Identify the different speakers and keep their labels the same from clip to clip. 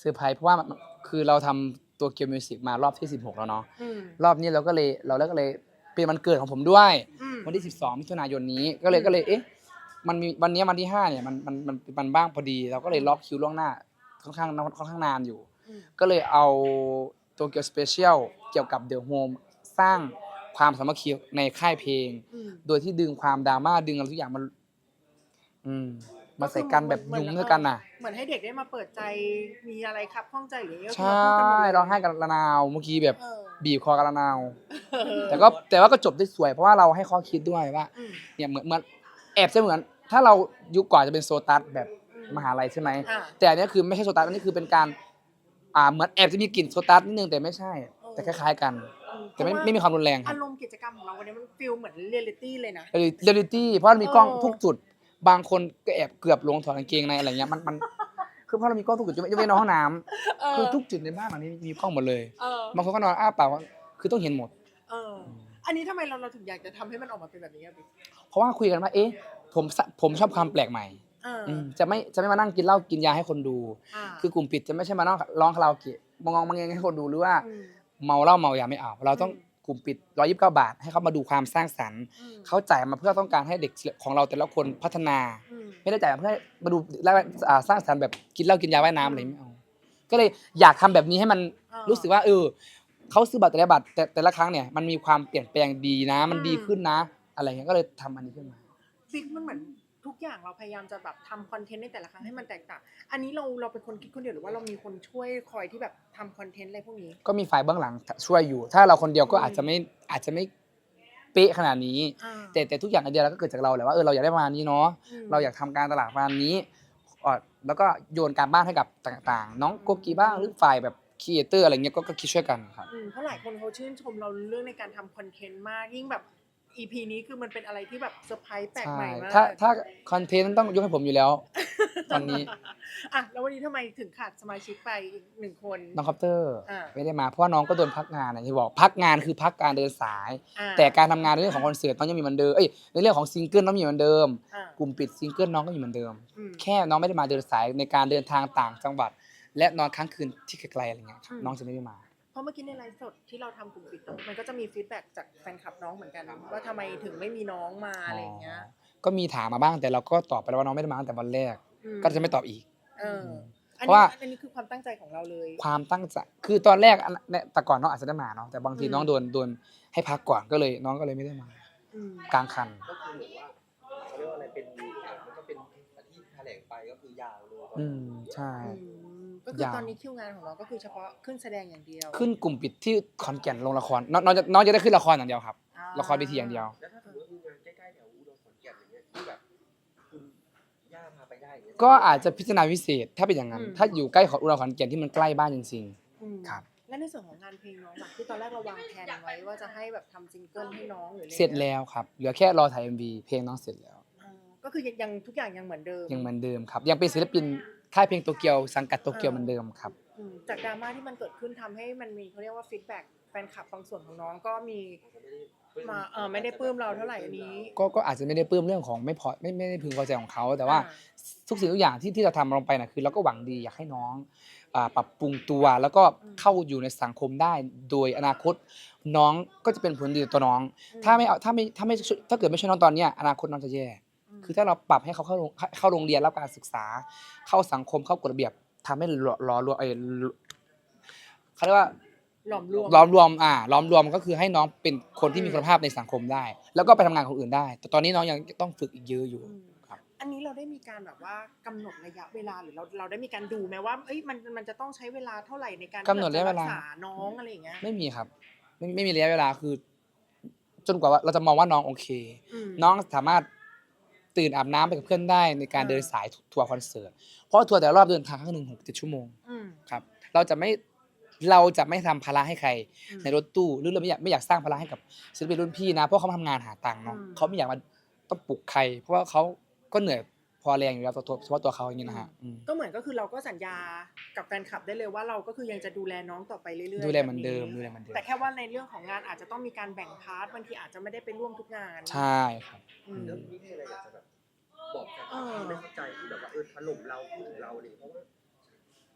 Speaker 1: อร์ไพรส์เพราะว่าคือเราทำตัวเกียวมิวสิกมารอบที่16แล้วเนาะ
Speaker 2: อืม
Speaker 1: รอบนี้เราก็เลยเป็นวันเกิดของผมด้วย
Speaker 2: อืม
Speaker 1: วันที่12มิถุนายนนี้ก็เลยเอ๊ะมันมีวันนี้วันที่5เนี่ยมันบ้างพอดีเราก็เลยล็อกคิวล่วงหน้าค่อนข้างนานอยู่
Speaker 2: อืม
Speaker 1: ก็เลยเอาตัวเกียวสเปเชียลเกี่ยวกับเดอะโฮมสร้างความสามัคคีในค่ายเพลง
Speaker 2: อืม
Speaker 1: โดยที่ดึงความดราม่าดึงอะไรทุกอย่างมันอืมมาใส่
Speaker 2: ก็คือ
Speaker 1: กันแบบยุ้มด้วยกันน่ะ
Speaker 2: เหมือนให้เด็กได้มาเปิดใจมีอะไรครับข้องใจหรือก็คือ
Speaker 1: ใช่
Speaker 2: มาพูดกันหมดเลย
Speaker 1: ร้องไห้กันระนาวเมื่อกี้แบบ
Speaker 2: เออ
Speaker 1: บีบคอกันระนาว
Speaker 2: เออ
Speaker 1: แต่ว่าก็จบได้สวยเพราะว่าเราให้ข้อคิดด้วยว่า
Speaker 2: อืม
Speaker 1: เนี่ยเหมือนแอบจะเหมือนถ้าเรายุคก่อนจะเป็นโซตัสแบบมหาลัยใช่ไหม
Speaker 2: อ่า
Speaker 1: แต่อันนี้คือไม่ใช่โซตัสอันนี้คือเป็นการเหมือนแอบจะมีกลิ่นโซตัสนิดนึงแต่ไม่ใช่แต่คล้ายๆกันแต่ไม่มีความรุนแรงครั
Speaker 2: อา
Speaker 1: บ
Speaker 2: รมณ์กิจกรรมของเราวันนี้มันฟีลเหมือนเรียลลิตี้เลยนะ
Speaker 1: เรียลิตี้เพราะเรามีกล้อง
Speaker 2: เออ
Speaker 1: ทุกจุดบางคนก็แอบเกือบลงถอดกางเกงในอะไรเงี้ยมันคือเพราะเรามีกล้องทุกจุดจะไม่ในห้องน้ำคือทุกจุดในบ้านหลังนี้มีกล้องหมดเลย
Speaker 2: เออ
Speaker 1: บางคนก็นอนอ้าปากคือต้องเห็นหมด
Speaker 2: เออ อันนี้ทำไมเราถึงอยากจะทำให้มันออกมาเป็นแบบนี้อะบิ๊ก
Speaker 1: เพราะว่าคุยกันว่าเอ๊ะผมชอบความแปลกใหม่
Speaker 2: เออ
Speaker 1: จะไม่มานั่งกินเหล้ากินยาให้คนดู
Speaker 2: อ่า
Speaker 1: คือกลุ่มปิดจะไม่ใช่มานั่งร้องคาราโอเกะมองมังเงให้คนดูหรือว่า
Speaker 2: อืม
Speaker 1: เมาเหล้าเมายาไม่เอาเราต้องกลุ่มปิด129 บาทให้เขามาดูความสร้างสรรค์
Speaker 2: อืม
Speaker 1: เขาจ่ายมาเพื่อต้องการให้เด็กของเราแต่ละคนพัฒนา
Speaker 2: อืม
Speaker 1: ไม่ได้จ่ายมาเพื่อให้มาดูแล้วสร้างสรรค์แบบกินเหล้ากินยาว่ายน้ำอะไรไม่เอาก็เลยอยากทำแบบนี้ให้มันรู้สึกว่าเขาซื้อบัตรแต่ละครั้งเนี่ยมันมีความเปลี่ยนแปลงดีนะมันดีขึ้นนะอะไรเงี้ยก็เลยทำอันนี้ขึ้นมา
Speaker 2: บิ๊กมันเหมือนทุกอย่างเราพยายามจะแบบทำคอนเทนต์ในแต่ละครั้งให้มันแตกต่าง อันนี้เราเป็นคนคิดคนเดียวหรือว่าเรามีคนช่วยคอยที่แบบทำคอนเทนต์อะไรพวกนี้
Speaker 1: ก็มีฝ่ายเบื้องหลังช่วยอยู่ ถ้าเราคนเดียวก็อาจจะไม่เป๊ะขนาดนี้
Speaker 2: อ่า
Speaker 1: แต่ทุกอย่างไอเดียเราก็เกิดจากเราแหละว่าเราอยากได้ประมาณนี้เนาะ
Speaker 2: อืม
Speaker 1: เราอยากทำการตลาดประมาณนี้แล้วก็โยนการบ้านให้กับต่างๆ น้องโกกีบ้างหรือฝ่ายแบบครีเอเตอร์อะไรเงี้ยก็คิดช่วยกันครับ
Speaker 2: เพราะหลายคนเขาชื่นชมเราเรื่องในการทำคอนเทนต์มาก ยิ่งแบบ EP นี้คือมันเป็นอะไรที่แบบเซอร์ไพรส์แปลก
Speaker 1: ใช่
Speaker 2: ใหม่มาก
Speaker 1: ถ้าคอนเทนต์ต้องยกให้ผมอยู่แล้ว ตอนนี้
Speaker 2: อ่ะแล้ววันนี้ทำไมถึงขาดสมาชิกไปอีก1 คน
Speaker 1: น้องคอปเตอร์
Speaker 2: อ่า
Speaker 1: ไม่ได้มาเพราะว่าน้องก็โดนพักงานอย่างที่บอกพักงานคือพักการเดินสาย
Speaker 2: อ่า
Speaker 1: แต่การทำงานในเรื่องของคอนเสิร์ตน้องยังมีเหมือนเดิมในเรื่องของซิงเกิลน้องมีเหมือนเดิม
Speaker 2: อ่าก
Speaker 1: ลุ่มปิดซิงเกิลน้องก็มีเหมือนเดิม
Speaker 2: อืม
Speaker 1: แค่น้องไม่ได้มาเดินสายในการเดินทางต่างจังหวัด และนอนค้างคืนที่ไกลๆอะไรเงี้ยครับน้องจะไม่ได้มา
Speaker 2: เพราะเมื่อกี้ในไลฟ์สดที่เราทำกลุ่มปิดเนอะมันก็จะมีฟีดแบ็กจากแฟนคลับน้องเหมือนกันว่าทำไมถึงไม่มีน้องมาอะไรอย่างเงี้ย
Speaker 1: ก็มีถามมาบ้างแต่เราก็ตอบไปแล้วว่าน้องไม่ได้มาตั้งแต่วันแรก
Speaker 2: อืม
Speaker 1: ก็จะไม่ตอบอีก
Speaker 2: เอออัน
Speaker 1: เพราะ
Speaker 2: นี้
Speaker 1: ว่า
Speaker 2: อันนี้คือความตั้งใจของเราเลย
Speaker 1: ความตั้งใจคือตอนแรกเนี่ยแต่ก่อนน้องอาจจะได้มาเนาะแต่บางที
Speaker 2: อืม
Speaker 1: น้องโดนให้พักก่อนก็เลยน้องก็เลยไม่ได้มา
Speaker 2: อืม
Speaker 1: กลางคัน
Speaker 3: ก็คือเหมือนว่าเขาเรียกว่าอะไรเป็นมันก็เป็นที่แถลงไปก็คือยาวเลย
Speaker 1: ใช่
Speaker 2: ก็คือย
Speaker 1: าว
Speaker 2: ตอนนี้คิวงานของเราก็คือเฉพาะขึ้นแสดงอย่างเดียว
Speaker 1: ขึ้นกลุ่มปิดที่ขอนแก่นลงละครน้องจะได้ขึ้นละครอย่างเดียวครับ
Speaker 2: อ่า
Speaker 1: ละครเวทีอย่างเดียว
Speaker 3: แล้วถ้าสมมติว่างานใกล้ๆแถวอุดรขอนแก่นอย่างเงี้ยที่แบบคุณย่าพาไปได้อย่างเงี้ย
Speaker 1: ก็อาจจะพิจารณาพิเศษถ้าเป็นอย่างนั้น ถ้าอยู่ใกล้ของอุดรขอนแก่นที่มันใกล้บ้านจริง
Speaker 2: อืม
Speaker 1: ครับ
Speaker 2: และในส่วนของงานเพลงน้องล่ะที่ตอนแรกเราวางแผนไว้ว่าจะให้แบบทำซิงเกิลให้น้องหรืออะ
Speaker 1: ๆ
Speaker 2: ไงี้ย
Speaker 1: เสร็จแล้วครับเหลือแค่รอถ่าย MV เพลงน้องเสร็จแล้ว
Speaker 2: อ่าก็คือยังทุกอย่างยังเหมือนเดิม
Speaker 1: ยังเหมือนเดิมครับยังเป็นศิลปินค่ายเพลงโตเกียวสังกัดโตเกียวเหมือนเดิมครับ
Speaker 2: จากดราม่าที่มันเกิดขึ้นทำให้มันมีเขาเรียกว่าฟีดแบ็กแฟนคลับบางส่วนของน้องก็มีมาไม่ได้ปลื้มเราเท่าไหร่อันนี้
Speaker 1: ก็อาจจะไม่ได้ปลื้มเรื่องของไม่ได้พึงพอใจของเขาแต่ว่าทุกสิ่งทุกอย่างที่เราทำลงไปนะคือเราก็หวังดีอยากให้น้องปรับปรุงตัวแล้วก็เข้าอยู่ในสังคมได้โดยอนาคตน้องก็จะเป็นผลดีต่อตัวน้อง ถ้าเกิดไม่ช่วยน้องตอนเนี้ยอนาคตน้องจะแย่ คือถ้าเราปรับให้เขาเข้าโรงเรียนรับการศึกษา เข้าสังคมเข้ากฎระเบียบทำให้หล่อรวมเขาเรียกว่า
Speaker 2: หลอมรวม
Speaker 1: ล้อมรวมก็คือให้น้องเป็นคนที่มีคุณภาพในสังคมได้ แล้วก็ไปทำงานกับคนอื่นได้ แต่ตอนนี้น้องยังต้องฝึกอีกเยอะอยู่ ครับ
Speaker 2: อันนี้เราได้มีการแบบว่ากำหนดระยะเวลาหรือเราได้มีการดูไหมว่ามันจะต้องใช้เวลาเท่าไหร่ในการ
Speaker 1: กำหนดระยะเวลา
Speaker 2: รักษาน้องอะไรอย่างเงี้ย
Speaker 1: ไม่มีครับไม่มีระยะเวลาคือ จนกว่าเราจะมองว่าน้องโอเค
Speaker 2: ม
Speaker 1: น้องสามารถตื่นอาบน้ำไปกับเพื่อนได้ในการเดินสายทัวร์คอนเสิร์ตเพราะทัวร์แต่ละรอบเดินทางครั้งหนึ่ง6-7 ชั่วโมง
Speaker 2: อืม
Speaker 1: ครับเราจะไม่ทำภาระให้ใคร
Speaker 2: อืม
Speaker 1: ในรถตู้หรือเราไม่อยากสร้างภาระให้กับศิลปินรุ่นพี่นะเพราะเขามาทำงานหาตังค์เนาะ
Speaker 2: อืม
Speaker 1: เขาไม่อยากมาต้องปลุกใคร เพราะว่าเขาก็เหนื่อยพอแรงอยู่แล้วเฉพาะตัวเขาอย่างนี้นะฮะ
Speaker 2: ก็เหมือนก็คือเราก็สัญญากับแฟนคลับได้เลยว่าเราก็คือยังจะดูแลน้องต่อไปเรื่อยๆ
Speaker 1: ดูแลเหมือน
Speaker 2: แบบ
Speaker 1: เดิมดูแลเหมือนเดิม
Speaker 2: แต่แค่ว่าในเรื่องของงานอาจจะต้องมีการแบ่งพาร์ทบางทีอาจจะไม่ได้ไปร่วมทุกงาน
Speaker 1: ใช่ครับ
Speaker 2: อืม
Speaker 3: เรื่องนี้มีอะไรอยากจะแบบบอกแฟนคลับที่ไม่เข้าใจที่แบบว่าถล่มเราพูดถึงเราเลยเพราะว่า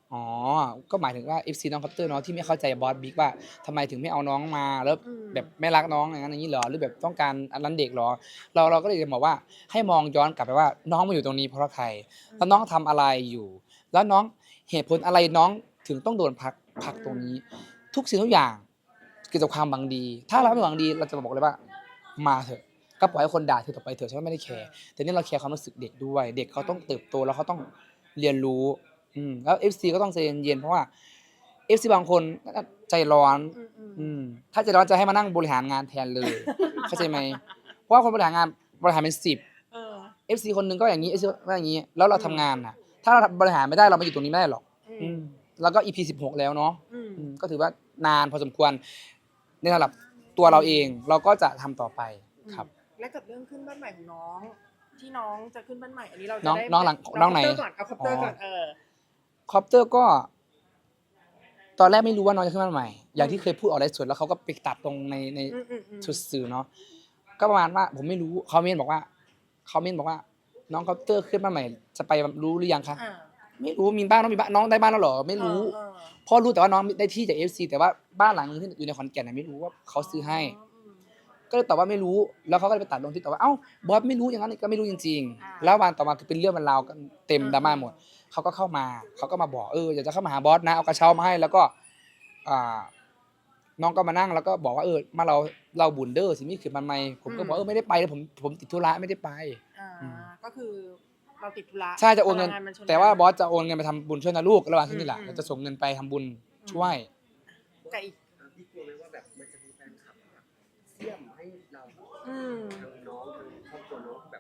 Speaker 1: อ๋อก็หมายถึงว่า FC น้องคอปเตอร์เนาะที่ไม่เข้าใจบอสบิ๊กว่าทำไมถึงไม่เอาน้องมาแล้วแบบไม่รักน้องอย่างนั้นอย่างนี้เหรอหรือแบบต้องการอันนั้นเด็กเหรอเราก็เลยจะบอกว่าให้มองย้อนกลับไปว่าน้องมาอยู่ตรงนี้เพราะใครแล้วน้องทำอะไรอยู่ แล้วน้องเหตุผลอะไรน้องถึงต้องโดนพักตรงนี้ ทุกสิ่งทุกอย่างเกิดจากความหวังดี ถ้าเราไม่หวังดีเราจะบอกเลยว่ามาเถอะก็ปล่อยให้คนด่าเธอต่อไปเถอะฉันไม่ได้แคร์แต่นี่เราแคร์ความรู้สึกเด็กด้วย เด็กเขาต้องเติบโตแล้วเขาต้องเรียนรู้แล้ว FC ก็ต้องใจเย็นๆเพราะว่า FC บางคนใจร้อนถ้าใจร้อนจะให้มานั่งบริหารงานแทนเลย เข้าใจไหมเพราะว่าคนบริหารงานบริหารเป็น10 FC คนหนึงก็อย่างนี้ FC ก็อย่างนี้ แล้วเราทำงานน่ะ ถ้าเราบริหารไม่ได้เรามาอยู่ตรงนี้ไม่ได้หรอกแล้วก็ EP 16แล้วเนาะก็ถือว่านานพอสมควรในระดับตัวเราเองเราก็จะทำต่อไปครับ
Speaker 2: และกับเรื่องขึ้นบ้านใหม่ของน้อง ที่น้องจะขึ้นบ้านใหม่อันนี้เราจะ
Speaker 1: น้อง
Speaker 2: ได้
Speaker 1: น้องหลังน้องไหน
Speaker 2: เอาคอปเตอร์ก่อน
Speaker 1: คอปเตอร์ก็ ตอนแรกไม่รู้ว่าน้องจะขึ้นบ้านใหม่ อย่างที่เคยพูดออกไลฟ์สดแล้วเขาก็ไปตัดตรงในชุดสื่อเนาะก็ประมาณว่าผมไม่รู้เขาเมนบอกว่าน้องคอปเตอร์ขึ้นบ้านใหม่จะไปรู้หรือยังคะไม่รู้มีบ้านน้องมีบ้านน้องได้บ้านแล้วเหรอไม่รู้เพราะรู้แต่ว่าน้องได้ที่จาก FC แต่ว่าบ้านหลังนึงที่อยู่ในขอนแก่นน่ะไม่รู้ว่าเขาซื้อให้ ก็เลยตอบว่าไม่รู้แล้วเขาก็เลยไปตัดลงที่ตอบว่าเอ้าบอสไม่รู้อย่างนั้นก็ไม่รู้จริงๆแล้ววันต่อมาคือเป็นเรื่องเป็นราวกันเต็มดราม่าหมดเขาก็เข้ามาเขาก็มาบอกอยากจะเข้ามาหาบอสนะเอากระเช้ามาให้แล้วก็น้องก็มานั่งแล้วก็บอกว่ามาเราบุญเด้อสิมีขึ้นมาใหม่ผมก็บอกไม่ได้ไปเลยผมติดธุระไม่ได้ไป
Speaker 2: ก็คือเราติดธุระ
Speaker 1: ใช่จะโอนเงินแต่ว่าบอสจะโอนเงินไปทำบุญช่วยนะลูกระหว่างที่นี่แหละเราจะส่งเงินไปทำบุญช่วย
Speaker 2: แต่อีก
Speaker 3: พี่กลัวไหมว่าแบบมันจะมีแฟนคลับแบบเสี่ยมให้เราทางน้องทางครอบครัวน้องแบบ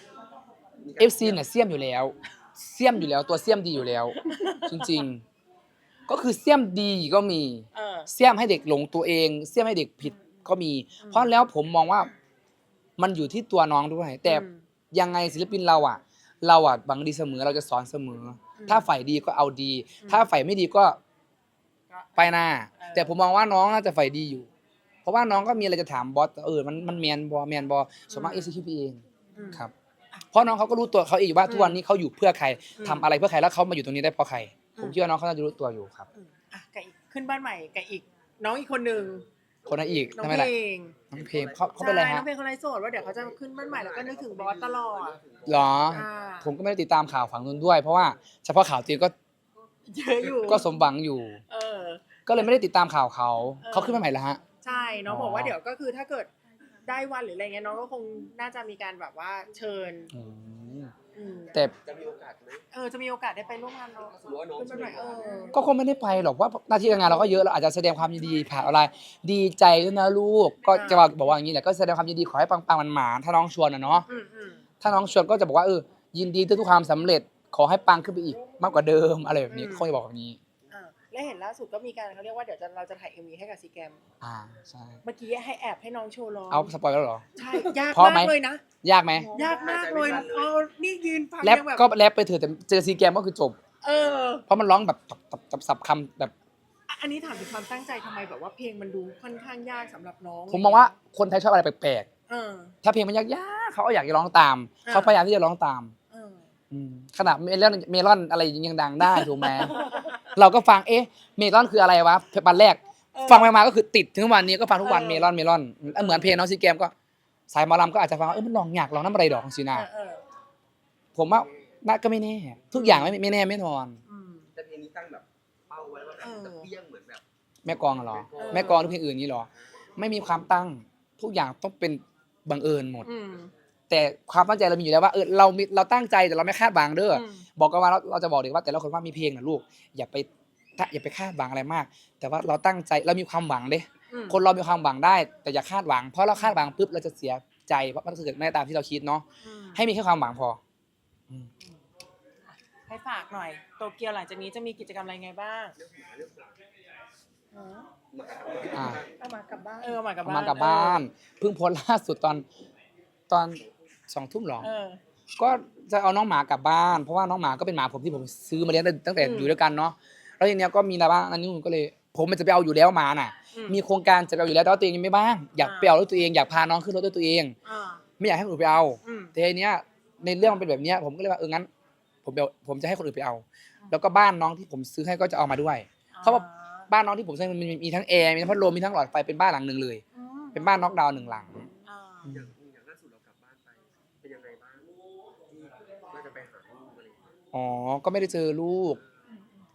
Speaker 1: FC เนี่ยเสี่ยมอยู่แล้วตัวเสี่ยมดีอยู่แล้วจริงๆก็คือเสี่ยมดีก็มีเสี่ยมให้เด็กหลงตัวเองเสี่ยมให้เด็กผิดก็มีเพราะแล้วผมมองว่ามันอยู่ที่ตัวน้องด้วยแต่ยังไงศิลปินเราหวังดีเสมอเราจะสอนเสมอถ้าฝ่ายดีก็เอาดีถ้าฝ่ายไม่ดีก็ไปหน้าแต่ผมมองว่าน้องน่าจะฝ่ายดีอยู่เพราะว่าน้องก็มีอะไรจะถามบอสมันแมนบอส่วนมาก execute เองครับเพราะน้องเขาก็รู้ตัวเขาเองอยู่ว่าทุกวันนี้เขาอยู่เพื่อใครทำอะไรเพื่อใครแล้วเขามาอยู่ตรงนี้ได้เพราะใครผมคิดว่าน้องเขาน่าจะรู้ตัวอยู่ครับ
Speaker 2: กับอีกขึ้นบ้านใหม่กับอีกน้องอีกคนนึง
Speaker 1: คนนั้นอีก
Speaker 2: ทำไมล่ะ
Speaker 1: น้องเพลงเขาเป็นอะไรฮะ
Speaker 2: น้องเพลงเขาไลฟ์สดว่าเดี๋ยวเขาจะขึ้นบ้านใหม่แล้วก็นึกถึงบอสตลอด
Speaker 1: หรอผมก็ไม่ได้ติดตามข่าวฝั่งนู้นด้วยเพราะว่าเฉพาะข่าวจีนก็
Speaker 2: เยอะอยู่
Speaker 1: ก็สมหวังอยู่ก็เลยไม่ได้ติดตามข่าวเขาขึ้นบ้านใหม่แล้วฮะ
Speaker 2: ใช่น้องบอกว่าเดี๋ยวก็คือถ้าเกิดได้วันหรืออะไรเงี้ยน้องก็คงน่าจะมีการแบบว่าเชิญ
Speaker 1: แต่
Speaker 3: จะมีโอกาสไหม
Speaker 2: จะมีโอกาสได้ไปร่วมงานน้องขึ้นบ้านใหม่
Speaker 1: ก็คงไม่ได้ไปหรอกว่าหน้าที่การงานเราก็เยอะเราอาจจะแสดงความยินดีผ่านออนไลน์ดีใจด้วยนะลูกก็จะบอกว่าอย่างนี้แหละก็แสดงความยินดีขอให้ปังๆมันหมาถ้าน้องชวนนะเนาะถ้าน้องชวนก็จะบอกว่ายินดีทุกความสำเร็จขอให้ปังขึ้นไปอีกมากกว่าเดิมอะไรแบบนี้เขาจะบอกแบบนี้
Speaker 2: และเห็นล่าสุดก็มีการเขาเรียกว่าเดี๋ยวเราจะถ่าย MV ให้กับซีแกม
Speaker 1: ใช่
Speaker 2: เมื่อกี้ให้น้องโชว์ร้อง
Speaker 1: เอาสปอยแล้วเหรอ
Speaker 2: ใช่ยากมากเลยนะ
Speaker 1: ยากไหม
Speaker 2: ยากมากเลยนี่ยืนฟัง
Speaker 1: แรปก็แรปไปเถอะแต่เจอซีแกมก็คือจบเพราะมันร้องแบบสับคำแบบ
Speaker 2: อันนี้ถามถึงความตั้งใจทำไมแบบว่าเพลงมันดูค่อนข้างยากสำหรับน้อง
Speaker 1: ผมมองว่าคนไทยชอบอะไรแปลกๆถ้าเพลงมันยากๆเขาก็อยากจะร้องตามเขาพยายามที่จะร้องตามขนาดเมลอนอะไรยังดังได้ถูกไหมเราก็ฟังเมลอนคืออะไรวะวันแรกฟังมาก็คือติดถึงวันนี้ก็ฟังทุกวันเมลอนเหมือนเพลงน้องซีแกมก็สายหมอลำก็อาจจะฟังมันลองอยากลองน้ำอะไรดอกสินะผมว่าน่าก็ไม่แน่ทุกอย่างไม่แน่ไม่นอน
Speaker 3: แต่เพลงนี้ตั้งแบบเป้าไว้ว่าแบบจะเปี้ยงเหมือนแบบ
Speaker 1: แม่กองเหรอแม่กองหรือเพลงอื่นนี้หรอไม่มีความตั้งทุกอย่างต้องเป็นบังเอิญหมดแต่ความตั้งใจเรามีอยู่แล้วว่าเราตั้งใจแต่เราไม่คาดหวังเด้อบอกกันว่าเราจะบอกเด็กว่าแต่ละคนว่ามีเพลงนะลูกอย่าไปคาดหวังอะไรมากแต่ว่าเราตั้งใจเรามีความหวังเด้คนเรามีความหวังได้แต่อย่าคาดหวังเพราะเราคาดหวังปุ๊บเราจะเสียใจเพราะมันเกิดไม่ตามที่เราคิดเนาะให้มีแค่ความหวังพอ
Speaker 2: ให้ฝากหน่อยโตเกียวหลังจากนี้จะมีกิจกรรมอะไรไงบ้างเอามากลับบ้าน
Speaker 1: มากลับบ้านเพิ่งโพสต์ล่าสุดตอน20:00 นหรอก็จะเอาน้องหมากลับบ้านเพราะว่าน้องหมาก็เป็นหมาผมที่ผมซื้อมาเลี้ยงตั้งแต่อยู่ด้วยกันเนาะแล้วทีเนี้ยก็มีอะไรบ้างอันนี้ผมก็เลยผมมันจะไปเอาอยู่แล้วหมาน่ะมีโครงการจะไปเอาอยู่แล้วแต่ว่าตัวเองยังไม่บ้างอยากไปเอาด้วยตัวเองอยากพาน้องขึ้นรถด้วยตัวเองไม่อยากให้คนอื่นไปเอาแต่ทีเนี้ยในเรื่องมันเป็นแบบเนี้ยผมก็เลยว่างั้นผมจะให้คนอื่นไปเอาแล้วก็บ้านน้องที่ผมซื้อให้ก็จะเอามาด้วย เพราะว่าบ้านน้องที่ผมซื้อมันมีทั้งแอร์มีทั้งพัดลมมีทั้งหลอดไฟเป็นบ้านหลังหนึ่งเลย
Speaker 2: อืม
Speaker 1: เป็นบ้านน็อกดาวน์1 หลัง
Speaker 2: อ่า
Speaker 3: อย่างล่าสุดเรากลับบ้านไปเป็นยังไงบ้างที่ว่าจะไปหาลูกอะไรอย่างเงี้ย
Speaker 1: อ๋อก็ไม่ได้เจอลูก ก็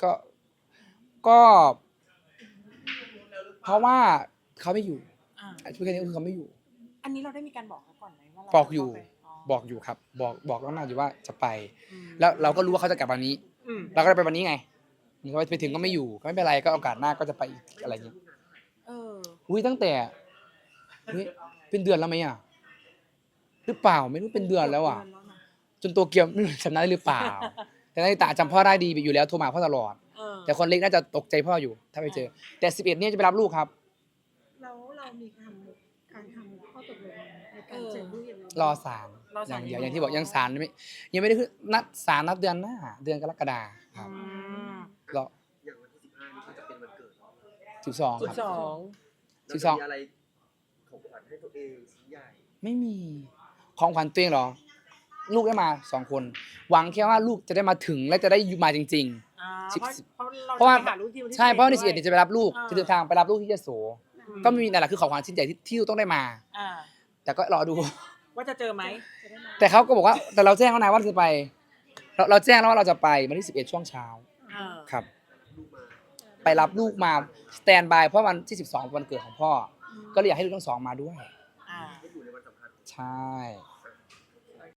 Speaker 1: เพราะว่าเขาไม่อยู่
Speaker 2: อ่า
Speaker 1: พูดแค่นี้ก็คือเขาไม่อยู่
Speaker 2: อันนี้เราได้มีการบอกเขาก่อนไหมว่าเรา
Speaker 1: บอกอยู่
Speaker 2: จะเข้าไป
Speaker 1: บอกอยู่ครับ บอกล่วงหน้าอยู่ว่าจะไป
Speaker 2: อืม
Speaker 1: แล้วเราก็รู้ว่าเขาจะกลับวันนี้
Speaker 2: อืม
Speaker 1: เราก็ได้ไปวันนี้ไงนี่เขาไปถึงก็ไม่อยู่ก็ไม่เป็นไรก็โอกาสหน้าก็จะไปอีกอะไรอย่างเงี้ย
Speaker 2: เออ
Speaker 1: อุ้ยตั้งแต่อุ๊ยเป็นเดือนแล้วไหมอ่ะหรือเปล่าไม่รู้เป็นเดือนแล้วอ่ะ จนตัวเกียวไม่รู้จำได้หรือเปล่า แต่นาฬิตาจำพ่อได้ดีอยู่แล้วโทรมาหาพ่อตลอด
Speaker 2: เออ
Speaker 1: แต่คนเล็กน่าจะตกใจพ่ออยู่ ถ้าไปเจอ แต่11เนี่ยจะไปรับลูกครับ
Speaker 4: แล้วเรามีการทำข้อตกลงในการเจอลูกยังไง
Speaker 1: รอศาล
Speaker 2: รอ
Speaker 1: อ
Speaker 2: ศาล
Speaker 1: ย่างเดียว
Speaker 2: อยู่
Speaker 1: อย่างที่บอกยังศาลยังไม่ได้คือนัดศาลนัดเดือนหน้า เดือนกรกฎาค
Speaker 2: อื
Speaker 1: รับ
Speaker 2: ม
Speaker 1: รอ
Speaker 3: อย่างวันที่15นี่ก็จะเป็นวันเกิดเรา
Speaker 1: 12 ครับ
Speaker 2: 12
Speaker 3: เราจะมีอะไรของขวัญให้ตัวเองชิ้นใหญ่
Speaker 1: ไม่มีของขวัญตัวเองเหรอ ลูกได้มา2 คน หวังแค่ว่าลูกจะได้มาถึงและจะได้มาจริง
Speaker 2: อ่า
Speaker 1: สิบ
Speaker 2: เพราะเรา
Speaker 1: เพราะว่า
Speaker 2: จะไปหาลูกที่วันที่
Speaker 1: ๆ ใช่เพราะวันที่
Speaker 2: 11
Speaker 1: 11เนี่ยจะไปรับลูก
Speaker 2: อ่า
Speaker 1: จะเดินทางไปรับลูกที่ยโส
Speaker 2: อืม
Speaker 1: ก็ไม่มีนั่นแหละคือของขวัญชิ้นใหญ่ที่ลูกต้องได้มา
Speaker 2: อ่า
Speaker 1: แต่ก็รอดู
Speaker 2: ว่าจะเจอไหม
Speaker 4: จะได้มา
Speaker 1: แต่เขาก็บอกว่าแต่เราแจ้งแล้วนะว่าเราจะไป เราแจ้งแล้วว่าเราจะไปวันที่11ช่วงเช้า
Speaker 2: อ่า
Speaker 1: ครับ
Speaker 3: ลูกมา
Speaker 1: ไปรับลูกมาสแตนบายเพราะวันที่12วันเกิดของพ่อ ก็เลยอยากให้ลูกทั้งสองมาด้วย
Speaker 2: อ่า
Speaker 3: ให้อยู่ในวันสำคัญ
Speaker 1: ใช่